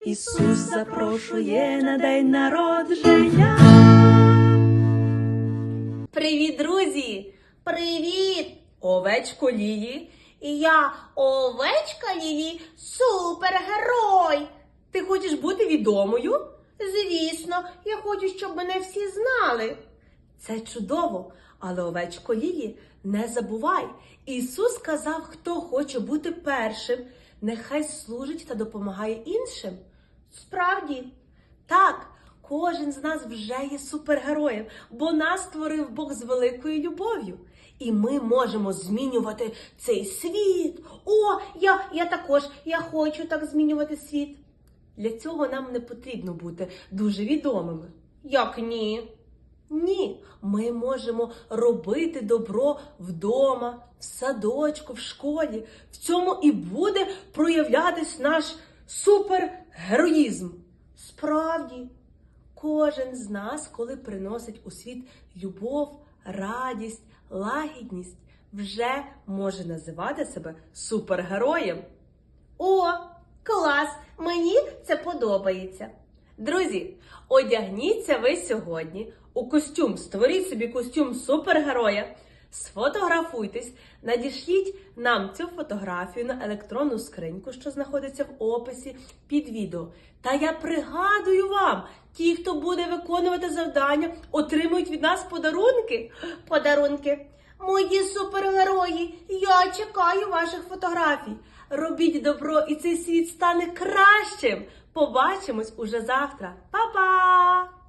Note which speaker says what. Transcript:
Speaker 1: Ісус запрошує на день народження.
Speaker 2: Привіт, друзі!
Speaker 1: Привіт!
Speaker 2: Овечко Лілі.
Speaker 1: І я, овечка Лілі, супергерой.
Speaker 2: Ти хочеш бути відомою?
Speaker 1: Звісно, я хочу, щоб мене всі знали.
Speaker 2: Це чудово, але овечко Лілі, не забувай. Ісус сказав, хто хоче бути першим, нехай служить та допомагає іншим.
Speaker 1: Справді?
Speaker 2: Так, кожен з нас вже є супергероєм, бо нас створив Бог з великою любов'ю. І ми можемо змінювати цей світ.
Speaker 1: О, я також, я хочу так змінювати світ.
Speaker 2: Для цього нам не потрібно бути дуже відомими.
Speaker 1: Як ні?
Speaker 2: Ні, ми можемо робити добро вдома, в садочку, в школі. В цьому і буде проявлятись наш супергероїзм.
Speaker 1: Справді?
Speaker 2: Кожен з нас, коли приносить у світ любов, радість, лагідність, вже може називати себе супергероєм.
Speaker 1: О, клас! Мені це подобається.
Speaker 2: Друзі, одягніться ви сьогодні у костюм, створіть собі костюм супергероя, сфотографуйтесь, надішліть нам цю фотографію на електронну скриньку, що знаходиться в описі під відео. Та я пригадую вам, ті, хто буде виконувати завдання, отримують від нас подарунки.
Speaker 1: Подарунки. Мої супергерої, я чекаю ваших фотографій.
Speaker 2: Робіть добро, і цей світ стане кращим. Побачимось уже завтра. Па-па!